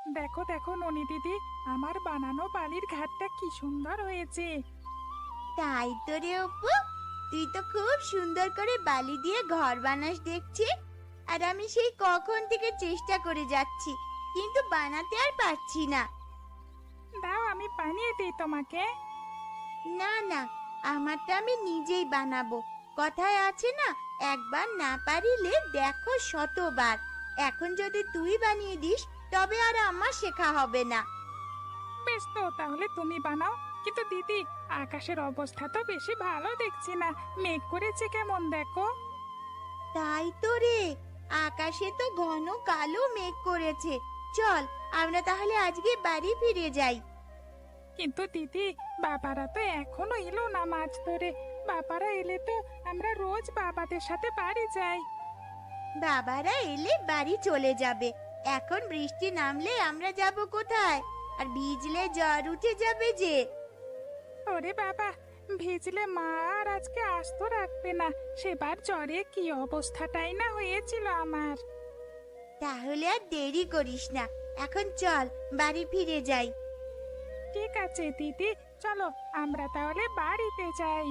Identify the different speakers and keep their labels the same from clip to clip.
Speaker 1: দেখো দেখো ননি দিদি, আমার বানানো বালির ঘাটটা কি সুন্দর হয়েছে।
Speaker 2: তাই তো রে অপু, তুই তো খুব সুন্দর করে বালি দিয়ে ঘর বানাস দেখছি। আর আমি সেই কখন থেকে চেষ্টা করে যাচ্ছি, কিন্তু বানাতে আর পারছি না।
Speaker 1: দাও আমি বানিয়ে দিই তোমাকে।
Speaker 2: না না, আমারটা আমি নিজেই বানাবো। কথায় আছে না, একবার না পারিলে দেখো শতবার। এখন যদি তুই বানিয়ে দিস, তবে আর আমার শেখা হবে না।
Speaker 1: বেশ, তো তাহলে তুমি বানাও। কিন্তু দিদি, আকাশের অবস্থা তো বেশি ভালো দেখছি না। মেঘ করেছে কেমন দেখো।
Speaker 2: তাই তো রে, আকাশে তো ঘন কালো মেঘ করেছে। চল, আমরা তাহলে আজকে বাড়ি ফিরে যাই।
Speaker 1: কিন্তু দিদি, বাবারা তো এখনো এলো না মাছ ধরে। বাবারা এলে তো আমরা রোজ বাবাদের সাথে বাড়ি যাই।
Speaker 2: বাবারা এলে বাড়ি চলে যাবে। এখন বৃষ্টি নামলে আমরা যাব কোথায়? আর ভিজলে জ্বর উঠে যাবে যে।
Speaker 1: ওরে বাবা, ভিজলে মা আর আজকে আস্ত রাখবে না। সেবার জ্বরে কি অবস্থাটাই না হয়েছিল আমার।
Speaker 2: তাহলে আর দেরি করিস না, এখন চল বাড়ি ফিরে যাই।
Speaker 1: ঠিক আছে দিদি, চলো আমরা তাহলে বাড়িতে যাই।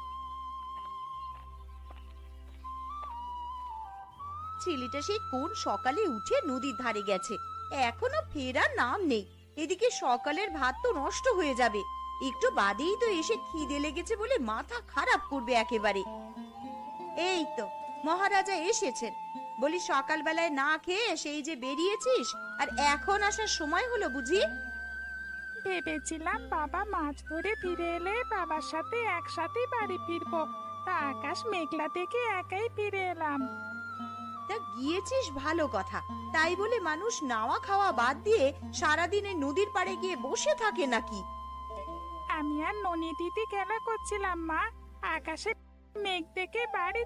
Speaker 2: ছেলেটা সেই কোন সকালে উঠে নদীর ধারে গেছে, এখনো ফেরার নাম নেই। এদিকে সকালের ভাত তো নষ্ট হয়ে যাবে, একটু বাদেই তো এসে খিদে লেগেছে বলে মাথা খারাপ করবে একেবারে। এই তো মহারাজা এসেছেন। বলি, সকালবেলায় না খেয়ে সেই যে বেরিয়েছিস, আর এখন আসার সময় হলো বুঝি?
Speaker 1: ভেবেছিলাম বাবা মাছ ধরে ফিরে এলে বাবার সাথে একসাথে বাড়ি ফিরবো। তা আকাশ মেঘলা দেখে একাই ফিরে এলাম।
Speaker 2: তা গিয়েছিস ভালো কথা, তাই বলে মানুষ নাওয়া খাওয়া বাদ দিয়ে সারাদিনে নদীর পাড়ে গিয়ে বসে থাকে নাকি?
Speaker 1: আমি আর ননি দিদি খেলা করছিলাম মা, আকাশে মেঘ দেখে বাড়ি।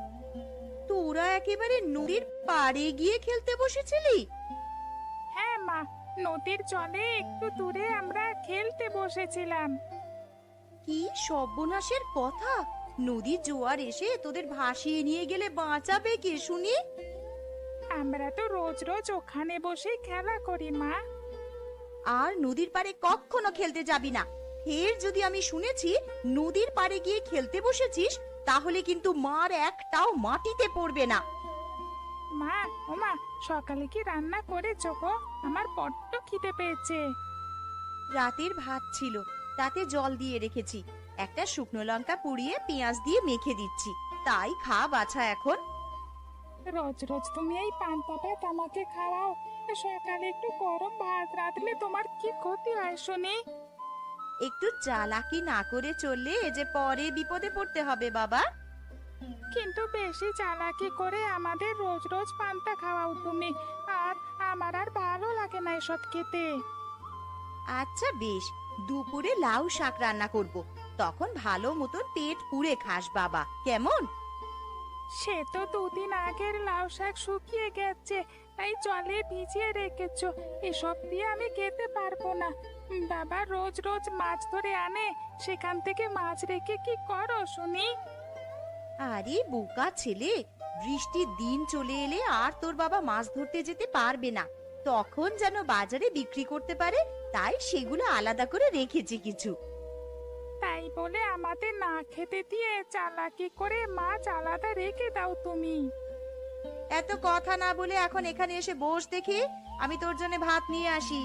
Speaker 2: তোরা একেবারে নদীর পাড়ে গিয়ে খেলতে বসেছিলি?
Speaker 1: হ্যাঁ মা, নদীর জলে একটু দূরে আমরা খেলতে বসেছিলাম।
Speaker 2: কি সর্বনাশের কথা! নদীর জোয়ার এসে তোদের ভাসিয়ে নিয়ে গেলে বাঁচাবে কে শুনি?
Speaker 1: আমরা তো রোজ রোজ ওখানে বসেই খেলা করি মা।
Speaker 2: আর নদীর পাড়ে কখনো খেলতে যাবি না। ফের যদি আমি শুনেছি নদীর পাড়ে গিয়ে খেলতে বসেছিস, তাহলে কিন্তু মার একটাও মাটিতে পড়বে না।
Speaker 1: মা, ও মা, সকালে কি রান্না করেছো গো? আমার বড্ড খিদে পেয়েছে।
Speaker 2: রাতের ভাত ছিল, তাতে জল দিয়ে রেখেছি। একটা শুকনো লঙ্কা পুড়িয়ে পেঁয়াজ দিয়ে মেখে দিচ্ছি, তাই খা বাছা এখন।
Speaker 1: রোজ রোজ তুমি এই পান্তা ভাত আমাকে খাওয়াও। সকালে একটু গরম ভাত রাঁধলে তোমার কি ক্ষতি হয় শুনি?
Speaker 2: একটু চালাকি না করে চললে এ যে পরে বিপদে পড়তে হবে বাবা।
Speaker 1: কিন্তু বেশি চালাকি করে আমাদের রোজ রোজ পান্তা খাওয়াও তুমি। আর আমার আর ভালো লাগে না এসব খেতে।
Speaker 2: আচ্ছা বেশ, দুপুরে লাউ শাক রান্না করব, তখন ভালো মতন পেট পুড়ে খাস বাবা, কেমন?
Speaker 1: সে তো দুদিন আগের লাউ শাক শুকিয়ে গেছে, তাই জলে ভিজিয়ে রেখেছো। এসব দিয়ে আমি খেতে পারবো না। বাবা রোজ রোজ মাছ ধরে আনে, সেখান থেকে মাছ রেখে কি করো শুনি?
Speaker 2: আরে বোকা ছেলে, বৃষ্টির দিন চলে এলে আর তোর বাবা মাছ ধরতে যেতে পারবে না, তখন যেন বাজারে বিক্রি করতে পারে, তাই সেগুলো আলাদা করে রেখেছি কিছু।
Speaker 1: তাই বলে আমাদের না খেতে দিয়ে চালাকি করে মাছ আলাদা রেখে দাও তুমি।
Speaker 2: এত কথা না বলে এখন এখানে এসে বস দেখি, আমি তোর জন্য ভাত নিয়ে আসি।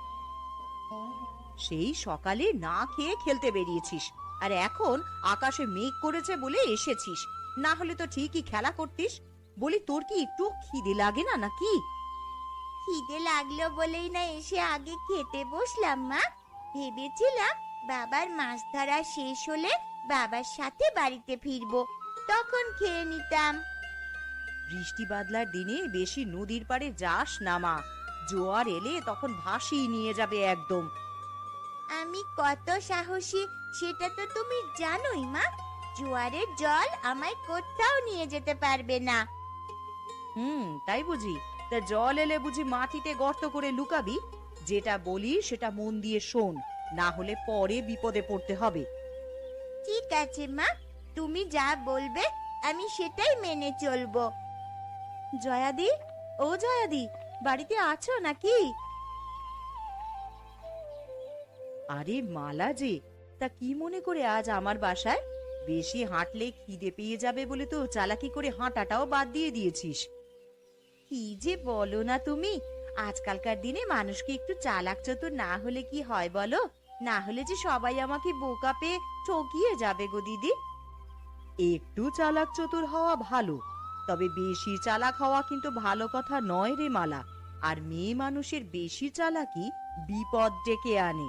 Speaker 2: সেই সকালে না খেয়ে খেলতে বেরিয়েছিস, আর এখন আকাশে মেঘ করেছে বলে এসেছিস, না হলে তো ঠিকই খেলা করতিস। বলি, তোর কি একটু খিদে লাগে না নাকি? খিদে লাগলো বলেই না এসে আগে খেতে বসলাম মা। ভেবেছিলাম বাবার মাছ ধরা শেষ হলে বাবার সাথে বাড়িতে ফিরবো, তখন খেয়ে নিতাম। বৃষ্টি বাদলার দিনে বেশি নদীর পাড়ে যাস না মা, জোয়ার এলে তখন ভাসিয়ে নিয়ে যাবে একদম। আমি কত সাহসী সেটা তো তুমি জানোই মা, জোয়ারের জল আমায় কোথাও নিয়ে যেতে পারবে না। তাই বুঝি? তা জল এলে বুঝি মাটিতে গর্ত করে লুকাবি? যেটা বলি সেটা মন দিয়ে শোন, না হলে পরে বিপদে পড়তে হবে। ঠিক আছে মা, তুমি যা বলবে আমি সেটাই মেনে চলবো। জয়াদি, ও জয়াদি, বাড়িতে আছো নাকি? আরে মালা যে, তা কি মনে করে আজ আমার বাসায়? বেশি হাঁটলে খিদে পেয়ে যাবে বলে তো চালাকি করে হাঁটাটাও বাদ দিয়ে দিয়েছিস। কি যে বলো না তুমি, আজকালকার দিনে মানুষকে একটু চালাক চতুর না হলে কি হয় বলো? না হলে যে সবাই আমাকে বোকা পেয়ে ঠকিয়ে যাবে গো দিদি। একটু চালাক চতুর হওয়া ভালো, তবে বেশি চালাক হওয়া কিন্তু ভালো কথা নয় রে মালা। আর মেয়ে মানুষের বেশি চালাকি বিপদ ডেকে আনে।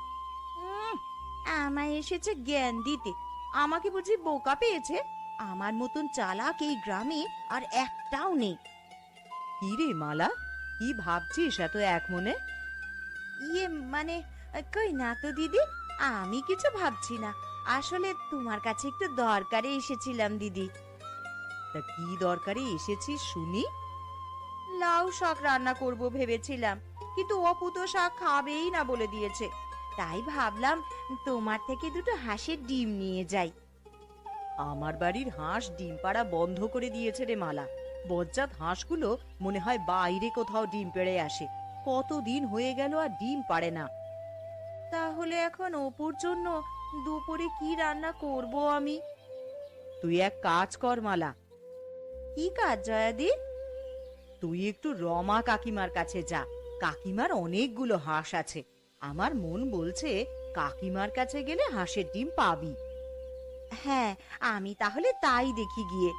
Speaker 2: আমায় এসেছে জ্ঞান দিতে, আমাকে বুঝি বোকা পেয়েছে? আমার মতন চালাক এই গ্রামে আর একটাও নেই। কি রে মালা, কি ভাবছিস এত এক মনে? ইয়ে মানে, কই না তো দিদি, আমি কিছু ভাবছি না। আসলে তোমার কাছে একটু দরকারে এসেছিলাম দিদি। তা কি দরকারে এসেছিস শুনি? লাউ শাক রান্না করব ভেবেছিলাম, কিন্তু অপু তো শাক খাবেই না বলে দিয়েছে। তাই ভাবলাম তোমার থেকে দুটো হাঁসের ডিম নিয়ে যাই। আমার বাড়ির হাঁস ডিম পাড়া বন্ধ করে দিয়েছে রে মালা। বজ্জাত হাঁসগুলো মনে হয় বাইরে কোথাও ডিম পেড়ে আসে। কতদিন হয়ে গেল আর ডিম পাড়ে না। তাহলে এখন অপুর জন্য দুপুরে কি রান্না করব আমি? তুই এক কাজ কর মালা। কি কাজ জয়াদি? তুই একটু রমা কাকিমার কাছে যা। কাকিমার অনেকগুলো হাঁস আছে। আমার মন বলছে কাকিমার কাছে গেলে হাঁসের ডিম পাবি। হ্যাঁ, আমি তাহলে তাই দেখি গিয়ে।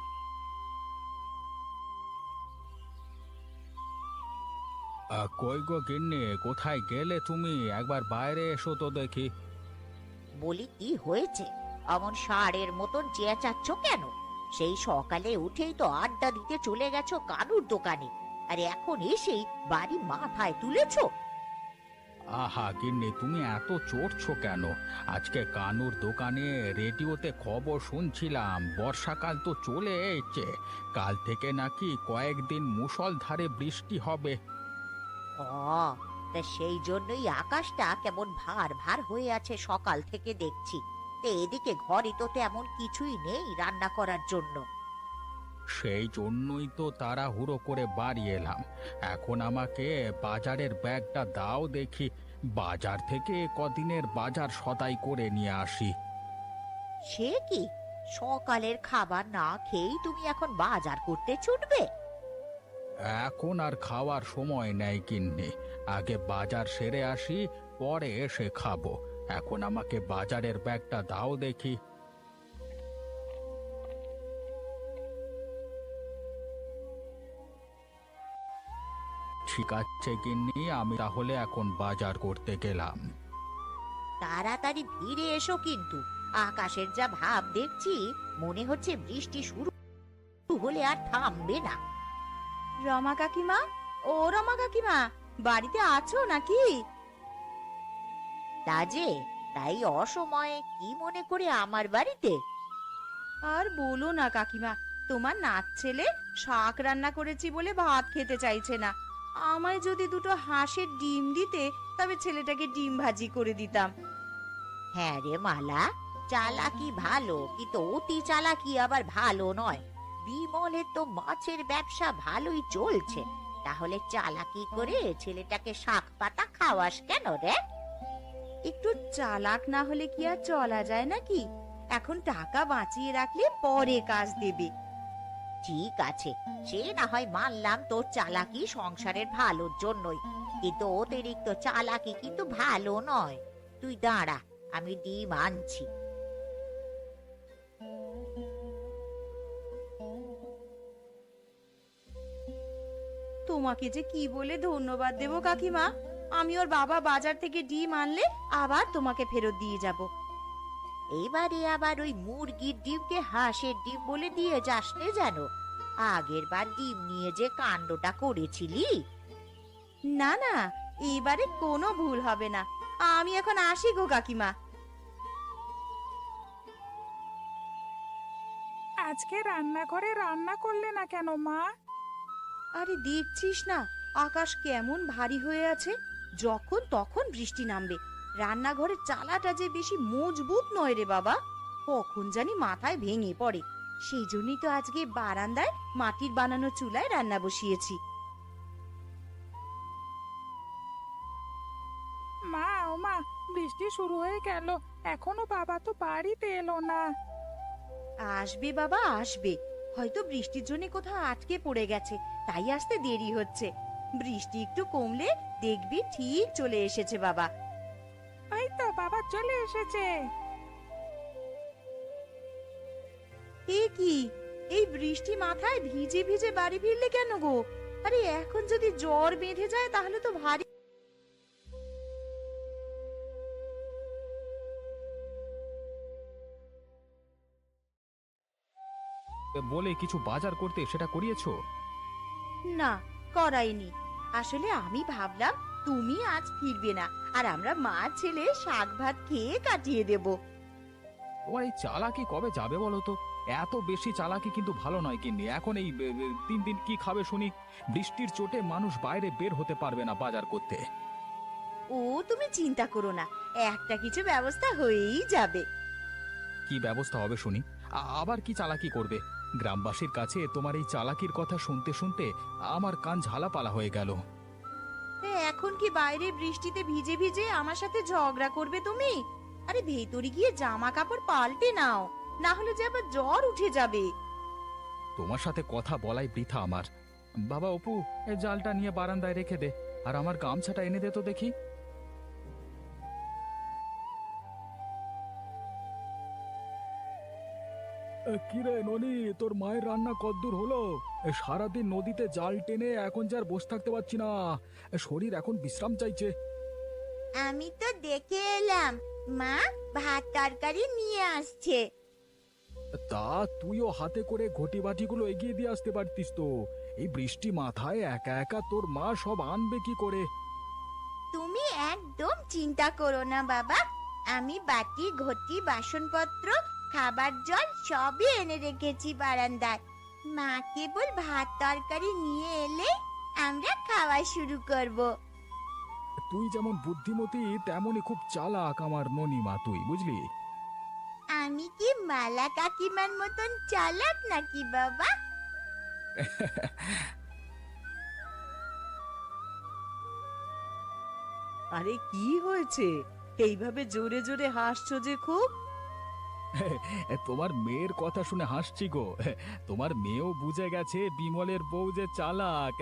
Speaker 3: কই গো গিন্নি, কোথায় গেলে তুমি? একবার বাইরে এসো তো দেখি।
Speaker 4: বলি কি হয়েছে, অমন ষাঁড়ের মতন চেঁচাচ্ছ কেন? সেই সকালে উঠেই তো আড্ডা দিতে চলে গেছো কানুর দোকানে, আর এখন এসেই বাড়ি মাথায় তুলেছো।
Speaker 3: আহা গিন্নি, তুমি এত চড়ছো কেন? আজকে কানুর দোকানে রেডিওতে খবর শুনছিলাম, বর্ষাকাল তো চলে এসেছে। কাল থেকে নাকি কয়েকদিন মুষলধারে বৃষ্টি হবে।
Speaker 4: ও, তা সেই জন্যই আকাশটা কেমন ভার ভার হয়ে আছে সকাল থেকে দেখছি। তা এদিকে ঘরে তো তেমন কিছুই নেই রান্না করার জন্য।
Speaker 3: সেই জন্যই তো তাড়াহুড়ো করে বাড়ি এলাম। এখন আমাকে বাজারের ব্যাগটা দাও দেখি, বাজার থেকে কদিনের বাজার সদাই করে নিয়ে আসি।
Speaker 4: সে কি, সকালের খাবার না খেয়েই তুমি এখন বাজার করতে ছুটবে?
Speaker 3: এখন আর খাওয়ার সময় নেই গিন্নি, আগে বাজার সেরে আসি, পরে এসে খাবো। এখন আমাকে বাজারের ব্যাগটা দাও দেখি। ঠিক আছে গিন্নি, আমি তাহলে এখন বাজার করতে গেলাম।
Speaker 4: তাড়াতাড়ি ফিরে এসো কিন্তু, আকাশের যা ভাব দেখছি, মনে হচ্ছে বৃষ্টি শুরু হলে আর থামবে না।
Speaker 2: রমা কাকিমা, ও রমা কাকিমা, বাড়িতে আছো নাকি?
Speaker 4: তা যে, তাই অসময়ে কি মনে করে আমার বাড়িতে?
Speaker 2: আর বলো না কাকিমা, তোমার নাত ছেলে শাক রান্না করেছি বলে ভাত খেতে চাইছে না। আমায় যদি দুটো হাঁসের ডিম দিতে, তবে ছেলেটাকে ডিম ভাজি করে দিতাম।
Speaker 4: হ্যাঁ রে মালা, চালাকি ভালো, কিন্তু অতি চালাকি আবার ভালো নয়। বিমলের তো মাছের ব্যবসা ভালোই চলছে, তাহলে চালাকি করে ছেলেটাকে শাক পাতা খাওয়াস কেন রে?
Speaker 2: একটু চালাক না হলে কি আর চলা যায় নাকি? এখন টাকা বাঁচিয়ে রাখলে পরে কাজ দেবে।
Speaker 4: ঠিক আছে, সে না হয় মানলাম তোর চালাকি সংসারের ভালোর জন্যই, কিন্তু অতিরিক্ত চালাকি কিন্তু ভালো নয়। তুই দাঁড়া, আমি ডিম আনছি।
Speaker 2: তোমাকে যে কি বলে ধন্যবাদ দেব কাকিমা। আমি ওর বাবা বাজার থেকে ডিম আনলে আবার তোমাকে ফেরত দিয়ে যাব।
Speaker 4: এবারে আবার ওই মুরগির ডিমকে হাঁসের ডিম বলে দিয়ে যাস নে যেন। আগের বার ডিম নিয়ে যে কাণ্ডটা করেছিলি।
Speaker 2: না না, এবারে কোনো ভুল হবে না। আমি এখন আসি গো কাকিমা।
Speaker 1: আজকে রান্নাঘরে রান্না করলে না কেন মা?
Speaker 2: আরে দেখছিস না, আকাশ কেমন ভারী হয়ে আছে। যখন তখন বৃষ্টি নামবে। রান্নাঘরের চালাটা যে বেশি মজবুত নয় রে বাবা, কখন জানি মাথায় ভেঙে পড়ে। সেই জন্যই তো আজকে বারান্দায় মাটির বানানো চুলায় রান্না বসিয়েছি।
Speaker 1: মা, যাও মা, বৃষ্টি শুরু হয়ে গেল, এখনো বাবা তো বাড়িতে এলো না।
Speaker 2: আসবে বাবা আসবে, হয়তো বৃষ্টির জন্য কোথাও আটকে পড়ে গেছে, তাই আসতে দেরি হচ্ছে। বৃষ্টি একটু কমলে দেখবি ঠিক চলে এসেছে বাবা।
Speaker 1: এই তো বাবা চলে এসেছে।
Speaker 2: এ কি, এই বৃষ্টি মাথায় ভিজে ভিজে বাড়ি ফিরলে কেন গো? আরে এখন যদি জ্বর বেঁধে যায় তাহলে তো ভারী।
Speaker 3: বলে কিছু বাজার করতে সেটা করিয়েছো?
Speaker 2: না, করাইনি। আসলে আমি ভাবলাম তুমি আজ ফিরবে না, আর আমরা মা ছেলে শাক ভাত খেয়ে কাটিয়ে দেব।
Speaker 3: তোমার এই চালাকি কবে যাবে বলো তো? এত বেশি চালাকি কিন্তু ভালো নয় গিন্নি। এখন এই 3 দিন কি খাবে শুনি? বৃষ্টির চোটে মানুষ বাইরে বের হতে পারবে না বাজার করতে।
Speaker 2: ও তুমি চিন্তা করো না, একটা কিছু ব্যবস্থা হয়েই যাবে।
Speaker 3: কি ব্যবস্থা হবে শুনি? আবার কি চালাকি করবে? গ্রামবাসীর কাছে তোমার এই চালাকির কথা শুনতে শুনতে আমার কান ঝালাপালা হয়ে গেল।
Speaker 2: এখন কি বাইরে বৃষ্টিতে ভিজে ভিজে আমার সাথে ঝগড়া করবে তুমি? আরে ভেতরে গিয়ে জামা কাপড় পাল্টে নাও, না হলে যে আবার জ্বর উঠে যাবে।
Speaker 3: তোমার সাথে কথা বলাই বৃথা আমার। বাবা অপু, এই জালটা নিয়ে বারান্দায় রেখে দে, আর আমার গামছাটা এনে দে তো দেখি। কিরে ননি, তোর মায়ের রান্না কদ্দূর হলো? সারাদিন নদীতে জাল টেনে এখন যার বসে থাকতে পারছি না, শরীর এখন বিশ্রাম চাইছে।
Speaker 4: আমি তো দেখে এলাম, মা ভাত তরকারি নিয়ে আসছে।
Speaker 3: তা তুইও হাতে করে ঘটি বাটিগুলো এগিয়ে দিয়ে আসতে পারতিস তো। এই বৃষ্টি মাথায় একা একা তোর মা সব আনবে কি করে?
Speaker 4: তুমি একদম চিন্তা করো না বাবা, আমি বাটি ঘটি বাসনপত্র খাবার জল সবই এনে রেখেছি বারান্দায়। মা কেবল ভাত তরকারি নিয়ে এলে আমরা খাওয়া শুরু করব।
Speaker 3: তুই যেমন বুদ্ধিমতী তেমনই খুব চালাক আমার ননিমা, তুই বুঝলি?
Speaker 4: আমি কি মালা কাকিমার মতন চালাক নাকি বাবা?
Speaker 2: আরে কি হয়েছে, এইভাবে জোরে জোরে হাসছো যে খুব?
Speaker 3: তোমার মেয়ের কথা শুনে হাসছি গো। তোমার মেয়েও বুঝে গেছে বিমলের বউ যে চালাক।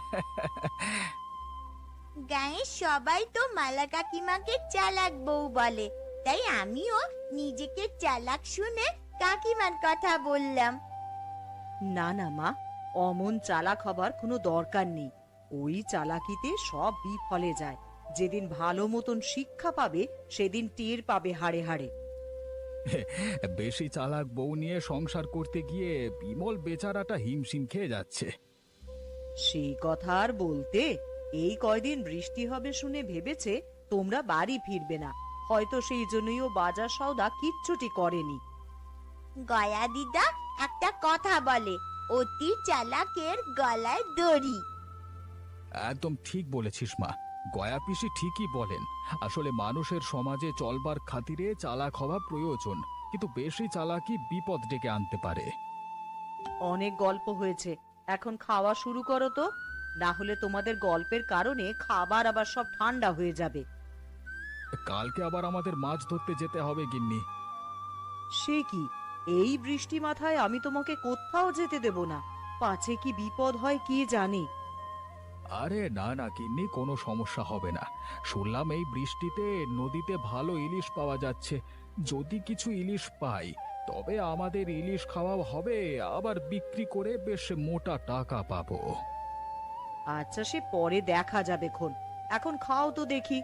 Speaker 4: গায়ের সবাই তো মালা কাকিমাকে চালাক বউ বলে, তাই আমিও নিজেকে চালাক শুনে কাকিমার কথা বললাম।
Speaker 2: না না মা, অমন চালাক হবার কোনো দরকার নেই। ওই চালাকিতে সব বিফলে যায়। যেদিন ভালো মতন শিক্ষা পাবে সেদিন টের পাবে হাড়ে হাড়ে।
Speaker 3: বেশি চালাক বউ নিয়ে সংসার করতে গিয়ে বিমল বেচারাটা হিমশিম খেয়ে যাচ্ছে।
Speaker 2: সেই কথা আর বলতে, এই কয়দিন বৃষ্টি হবে শুনে ভেবেছে তোমরা বাড়ি ফিরবে না, হয়তো সেই জন্যই ও বাজার সওদা কিচ্ছুটি করেনি।
Speaker 4: গয়া দিদা একটা কথা বলে, অতি চালাকের গলায় দড়ি।
Speaker 3: একদম ঠিক বলেছিস মা, গয়া পিসি ঠিকই বলেন। আসলে মানুষের সমাজে চলবার খাতিরে চালাক হওয়া প্রয়োজন, কিন্তু বেশি চালাকি বিপদ ডেকে আনতে পারে।
Speaker 2: অনেক গল্প হয়েছে, এখন খাওয়া শুরু করো তো, না হলে তোমাদের গল্পের কারণে খাবার আবার সব ঠান্ডা হয়ে যাবে।
Speaker 3: কালকে আবার আমাদের মাছ ধরতে যেতে হবে গিন্নি।
Speaker 2: সে কি, এই বৃষ্টি মাথায় আমি তোমাকে কোথাও যেতে দেব না, পাছে কি বিপদ হয় কে জানে।
Speaker 3: আরে না না গিন্নি, কোনো সমস্যা হবে না। শুনলাম এই বৃষ্টিতে নদীতে ভালো ইলিশ পাওয়া যাচ্ছে। যদি কিছু ইলিশ পাই তবে আমাদের ইলিশ খাওয়া হবে, আবার বিক্রি করে বেশ মোটা টাকা পাবো।
Speaker 2: আচ্ছা সে পরে দেখা যাবে খন, এখন খাও তো দেখি।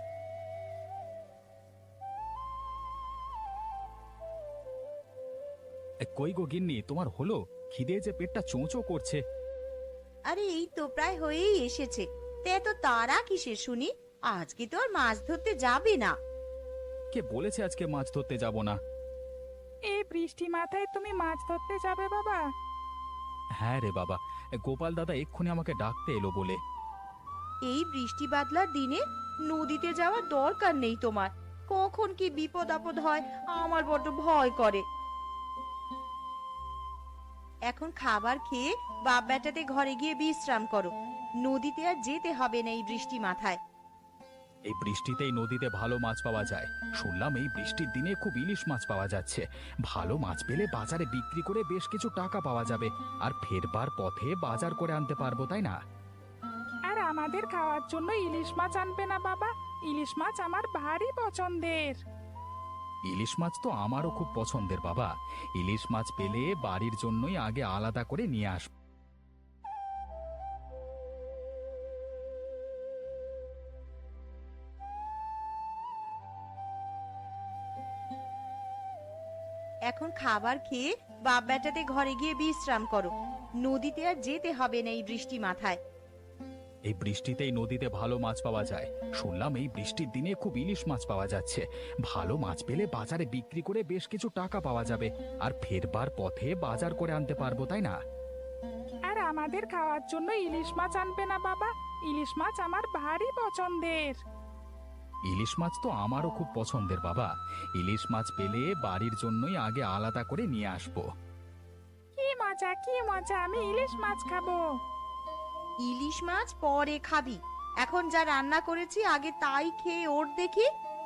Speaker 3: কই গো গিন্নি, তোমার হলো? খিদে যে পেটটা চোঁচো করছে।
Speaker 2: আরে এই তো প্রায় হয়েই এসেছে, তে এত তাড়া কিসের শুনি? আজকে তো আর মাছ ধরতে যাবে না।
Speaker 3: কে বলেছে আজকে মাছ ধরতে যাব না?
Speaker 1: এই বৃষ্টি মাথায় তুমি মাছ ধরতে যাবে বাবা?
Speaker 3: হ্যাঁ রে বাবা, গোপাল দাদা এক্ষুনি আমাকে ডাকতে এলো বলে।
Speaker 2: এই বৃষ্টি বাদলার দিনে নদীতে যাওয়ার দরকার নেই তোমার, কখন কি বিপদ আপদ হয় আমার বড্ড ভয় করে। এখন খাবার খেয়ে বাপ বেটাতে ঘরে গিয়ে বিশ্রাম করো, নদীতে আর যেতে হবে না এই বৃষ্টি মাথায়।
Speaker 3: এই বৃষ্টিতেই নদীতে ভালো মাছ পাওয়া যায়। শুনলাম এই বৃষ্টির দিনে খুব ইলিশ মাছ পাওয়া যাচ্ছে। ভালো মাছ পেলে বাজারে বিক্রি করে বেশ কিছু টাকা পাওয়া যাবে, আর ফেরবার পথে বাজার করে আনতে পারবো, তাই না?
Speaker 1: আর আমাদের খাওয়ার জন্য ইলিশ মাছ আনবে না বাবা? ইলিশ মাছ আমার ভারী পছন্দের।
Speaker 3: ইলিশ মাছ তো আমারও খুব পছন্দের বাবা। ইলিশ মাছ পেলে বাড়ির জন্যই আগে আলাদা করে নিয়ে আসবো।
Speaker 2: এখন খাবার খেয়ে বাপ বেটাতে ঘরে গিয়ে বিশ্রাম করো। নদীতে আর যেতে হবে না এই বৃষ্টি মাথায়।
Speaker 3: এই বৃষ্টিতেই নদীতে ভালো মাছ পাওয়া যায়। শুনলাম এই বৃষ্টির দিনে খুব ইলিশ মাছ পাওয়া যাচ্ছে। ভালো মাছ পেলে বাজারে বিক্রি করে বেশ কিছু টাকা পাওয়া যাবে, আর ফেরবার পথে বাজার করে আনতে পারবো, তাই না?
Speaker 1: আর আমাদের খাওয়ার জন্য ইলিশ মাছ আনবে না বাবা? ইলিশ মাছ আমার ভারী পছন্দের।
Speaker 3: ইলিশ মাছ তো আমারও খুব পছন্দের বাবা। ইলিশ মাছ পেলে বাড়ির জন্যই আগে আলাদা করে নিয়ে আসবো।
Speaker 1: কি মজা কি মজা, আমি ইলিশ মাছ খাবো।
Speaker 2: ইলিশ মাছ পরে খাবি, এখন যা রান্না করেছি আগে তাই খেয়ে ওর দেখি।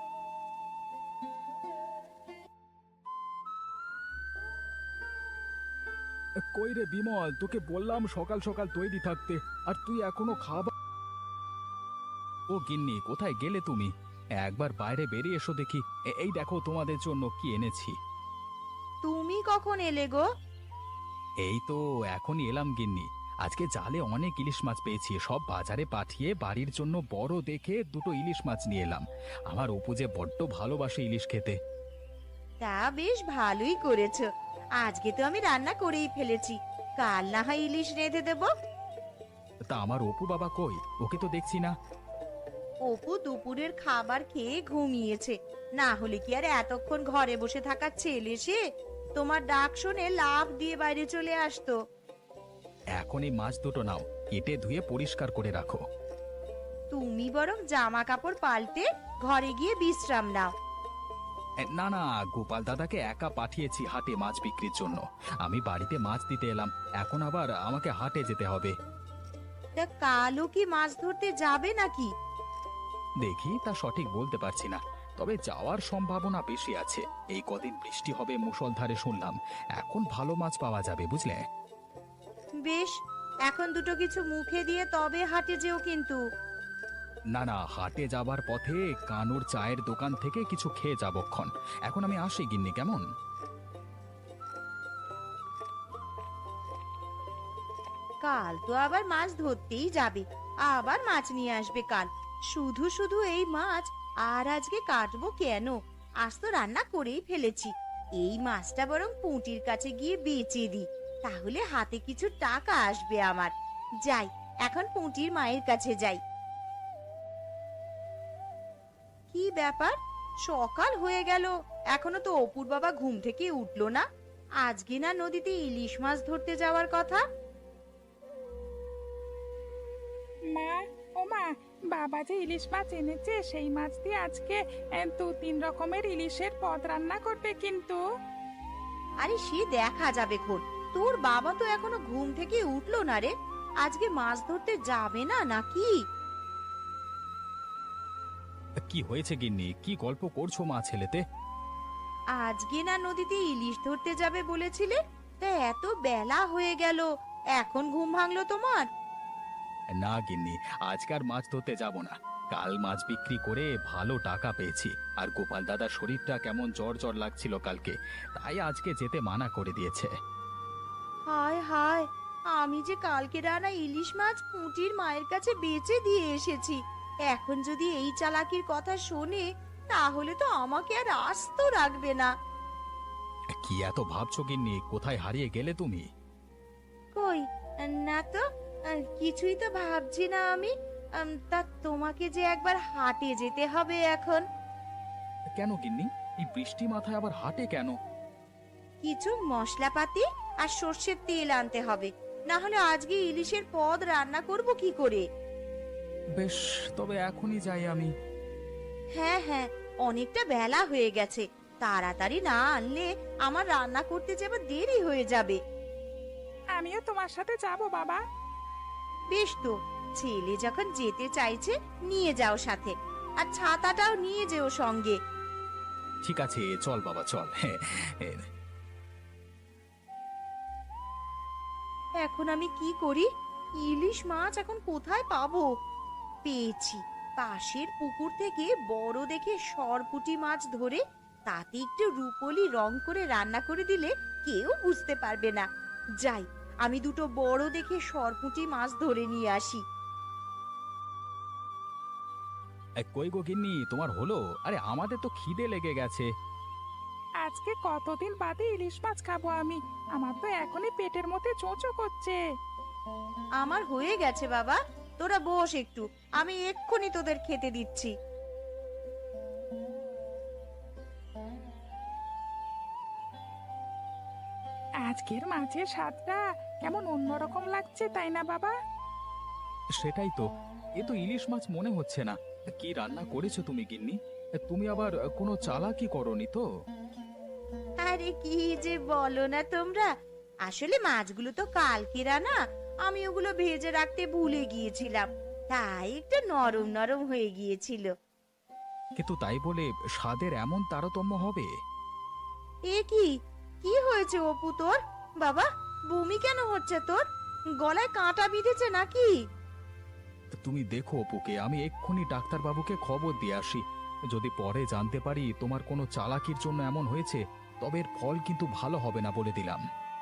Speaker 3: কই রে বিমল, তোকে বললাম সকাল সকাল তৈরি থাকতে, আর তুই এখনো খাবার। ও গিন্নি, কোথায় গেলে তুমি? একবার বাইরে বেরিয়ে এসো দেখি। এই দেখো তোমাদের জন্য কি এনেছি।
Speaker 2: তুমি কখন এলে গো?
Speaker 3: এই তো এখনই এলাম গিন্নি। আজকে জালে অনেক ইলিশ মাছ পেয়েছি, সব বাজারে পাঠিয়ে বাড়ির জন্য বড় দেখে দুটো ইলিশ মাছ নিয়ে এলাম। আমার অপু যে বড্ড ভালোবাসে ইলিশ খেতে।
Speaker 2: তা বেশ ভালোই করেছো। আজকে তো আমি রান্না করেই ফেলেছি, কাল না হয় ইলিশ রেঁধে দেবো।
Speaker 3: তা আমার অপু বাবা কই? ওকে তো দেখছি না।
Speaker 2: অপু দুপুরের খাবার খেয়ে ঘুমিয়েছে, না হলে কি আর এতক্ষণ ঘরে বসে থাকার ছেলে সে? তোমার ডাক শুনে লাফ দিয়ে বাইরে চলে আসতো।
Speaker 3: এখন এই মাছ দুটো নাও, কেটে ধুয়ে পরিষ্কার করে রাখো।
Speaker 2: তুমি বরং জামা কাপড় পাল্টে ঘরে গিয়ে বিশ্রাম নাও।
Speaker 3: না না, গোপাল দাদাকে একা পাঠিয়েছি হাটে মাছ বিক্রির জন্য। আমি বাড়িতে মাছ দিতে এলাম, এখন আবার আমাকে হাটে যেতে হবে।
Speaker 2: তা কালও কি মাছ ধরতে যাবে নাকি?
Speaker 3: দেখি, তা সঠিক বলতে পারছি না, তবে যাওয়ার সম্ভাবনা বেশি আছে। এই কদিন বৃষ্টি হবে মুষলধারে শুনলাম, এখন ভালো মাছ পাওয়া যাবে, বুঝলে?
Speaker 2: বেশ, এখন দুটো কিছু মুখে দিয়ে তবে হাটে যেও কিন্তু।
Speaker 3: না না, হাটে যাবার পথে কানুর চায়ের দোকান থেকে কিছু খেয়ে যাবক্ষণ। এখন আমি আসি গিন্নি, কেমন?
Speaker 2: কাল তো আবার মাছ ধরতেই যাবে, আবার মাছ নিয়ে আসবে কাল। শুধু শুধু এই মাছ আর আজকে কাটবো কেন? আজ তো রান্না করেই ফেলেছি। এই মাছটা বরং পুঁটির কাছে গিয়ে বেচে দিই, তাহলে হাতে কিছু টাকা আসবে আমার। যাই, এখন পুঁটির মায়ের কাছে যাই। কি ব্যাপার, সকাল হয়ে গেল, এখনো তো অপুর বাবা ঘুম থেকে উঠলো না? আজকে না নদীতে ইলিশ মাছ ধরতে যাওয়ার কথা?
Speaker 1: মা, ও মা, বাবা যে ইলিশ মাছ এনেছে সেই মাছ দিয়ে আজকে 2-3 রকমের ইলিশের পদ রান্না করবে কিন্তু।
Speaker 2: আরে সে দেখা যাবে খন, তোর বাবা তো এখনো ঘুম থেকে উঠলো না রে। আজকে মাছ ধরতে যাবে না নাকি?
Speaker 3: কি হয়েছে গিন্নি, কি গল্প করছো মা ছেলেতে?
Speaker 2: আজকে না নদীতে ইলিশ ধরতে যাবে বলেছিলে, তা এত বেলা হয়ে গেল, এখন ঘুম ভাঙলো তোমার?
Speaker 3: না গিন্নি, আজকার মাছ ধরতে যাব না। কাল মাছ বিক্রি করে ভালো টাকা পেয়েছি, আর গোপাল দাদার শরীরটা কেমন জ্বর জ্বর লাগছিল কালকে, তাই আজকে যেতে মানা করে দিয়েছে।
Speaker 2: হায় হায়, আমি যে কালকে রানা ইলিশ মাছ পুঁটির মায়ের কাছে বেচে দিয়ে এসেছি। এখন যদি এই চালাকির কথা শোনে, তাহলে তো আমাকে আর আস্ত রাখবে না।
Speaker 3: কি এত ভাবছো গিন্নি? কোথায় হারিয়ে গেলে তুমি?
Speaker 2: কই, না তো, কিছুই তো ভাবছি না আমি। তা তোমাকে যে একবার হাটে যেতে হবে এখন।
Speaker 3: কেন গিন্নি, এই বৃষ্টি মাথায় আবার হাটে কেন?
Speaker 2: কিছু মশলাপাতি আর সর্ষের তেল আনতে হবে, না হলে আজকে ইলিশের পদ রান্না করব কি করে?
Speaker 3: বেশ, তবে এখনই যাই আমি।
Speaker 2: হ্যাঁ হ্যাঁ, অনেকটা বেলা হয়ে গেছে, তাড়াতাড়ি না আনলে আমার রান্না করতে যাবার দেরি হয়ে যাবে।
Speaker 1: আমিও তোমার সাথে যাব বাবা।
Speaker 2: বেশ তো, ছেলে যখন যেতে চাইছে নিয়ে যাও সাথে। আর ছাতাটাও নিয়ে যেও সঙ্গে।
Speaker 3: ঠিক আছে চল বাবা চল।
Speaker 2: এখন আমি কি করি? ইলিশ মাছ এখন কোথায় পাবো? পেয়েছি, পাশের পুকুর থেকে বড় দেখে সরপুঁটি মাছ ধরে তাতে একটু রুপোলি রং করে রান্না করে দিলে কেউ বুঝতে পারবে না। যাই, আমি দুটো বড় দেখে সরপুঁটি মাছ ধরে নিয়ে আসি।
Speaker 3: কই গো গিন্নি, তোমার হলো? আরে আমাদের তো খিদে লেগে গেছে।
Speaker 1: আজকে কতদিন বাদে ইলিশ মাছ খাবো আমি। আমার তো এখনই পেটের মধ্যে চোঁচো করছে।
Speaker 2: আমার হয়ে গেছে বাবা, তোরা বস একটু, আমি এক্ষুনি তোদের খেতে দিচ্ছি।
Speaker 1: আজকের মাছের স্বাদটা কেমন অন্যরকম লাগছে, তাই না বাবা?
Speaker 3: সেটাই তো, এ তো ইলিশ মাছ মনে হচ্ছে না। কি রান্না করেছো তুমি গিন্নি? তুমি আবার কোনো চালাকি করনি তো?
Speaker 2: আরে কি যে বলো না তোমরা, আসলে মাছগুলো তো কালকের আনা, আমি ওগুলো ভেজে রাখতে ভুলে গিয়েছিলাম, তাই একটু নরম নরম হয়ে গিয়েছিল।
Speaker 3: কিন্তু তাই বলে স্বাদের এমন তারতম্য হবে?
Speaker 2: এ কি কি হয়েছে অপু তোর? বাবা, বমি কেন হচ্ছে তোর? গলায় কাঁটা বিঁধেছে নাকি?
Speaker 3: তুমি দেখো অপুকে, আমি এক্ষুনি ডাক্তারবাবুকে খবর দিয়ে আসি। যদি পরে জানতে পারি তোমার কোনো চালাকির জন্য এমন হয়েছে, তবে এর ফল কিন্তু ভালো হবে না বলে দিলাম।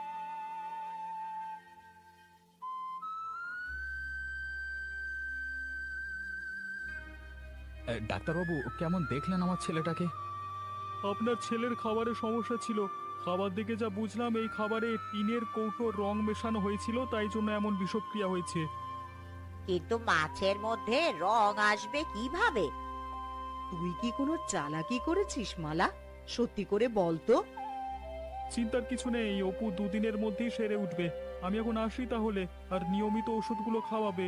Speaker 3: ডাক্তারবাবু, কেমন দেখলেন আমার ছেলেটাকে?
Speaker 5: আপনার ছেলের খাবারে সমস্যা ছিল। খাবার দেখে যা বুঝলাম, এই খাবারে টিনের কৌটোর রং মেশানো হয়েছিল, তাই জন্য এমন বিষক্রিয়া হয়েছে।
Speaker 4: কিন্তু মাছের মধ্যে রং আসবে কিভাবে?
Speaker 2: তুই কি কোনো চালাকি করেছিস মালা? সত্যি করে বল তো।
Speaker 5: চিন্তার কিছু নেই, অপু দুদিনের মধ্যেই সেরে উঠবে। আমি এখন আসি তাহলে, আর নিয়মিত ওষুধগুলো খাওয়াবে।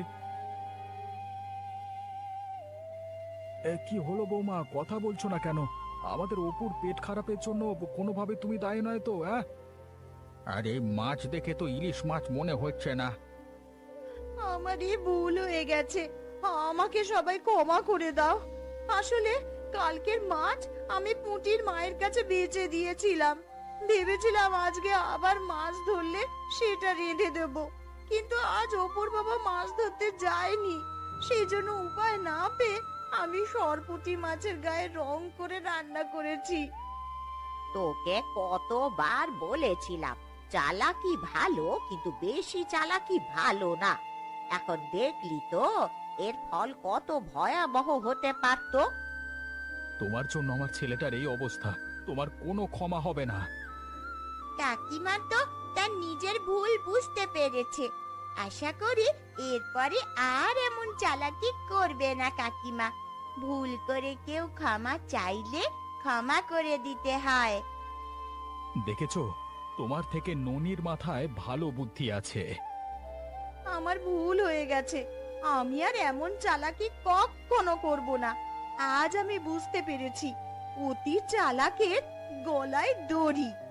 Speaker 3: কি হলো বৌমা, কথা বলছো না কেন? আমাদের অপুর পেট খারাপের জন্য কোনোভাবে তুমি দায়ী নয় তো? আরে মাছ দেখে তো ইলিশ মাছ মনে হচ্ছে না।
Speaker 2: আমারই ভুল হয়ে গেছে, আমাকে সবাই ক্ষমা করে দাও। আসলে কালকের মাছ আমি পুঁটির মায়ের কাছে বেচে দিয়েছিলাম, ভেবেছিলাম আজকে আবার মাছ ধরলে সেটা রেঁধে দেব, কিন্তু আজ অপুর বাবা মাছ ধরতে যায়নি, সেই জন্য উপায় না পেয়ে আমি সরপুঁটি মাছের গায়ে রং করে রান্না করেছি।
Speaker 4: তোকে কতবার বলেছিলাম, চালাকি ভালো, কিন্তু বেশি চালাকি ভালো না। এখন দেখলি তো এর ফল কত ভয়াবহ হতে পারতো।
Speaker 3: তোমার জন্য আমার ছেলেটার এই অবস্থা, তোমার কোনো ক্ষমা হবে না।
Speaker 2: কাকিমা তো তার নিজের ভুল বুঝতে পেরেছে, আশা করি এরপরে আর এমন চালাকি করবে না কাকিমা। ভুল করে কেউ ক্ষমা চাইলে ক্ষমা করে দিতে হয়।
Speaker 3: দেখেছো, তোমার থেকে ননির মাথায় ভালো বুদ্ধি আছে।
Speaker 2: আমার ভুল হয়ে গেছে, আমি আর এমন চালাকি কখনো করব না। আজ আমি বুঝতে পেরেছি, অতি চালাকের গলায় দড়ি।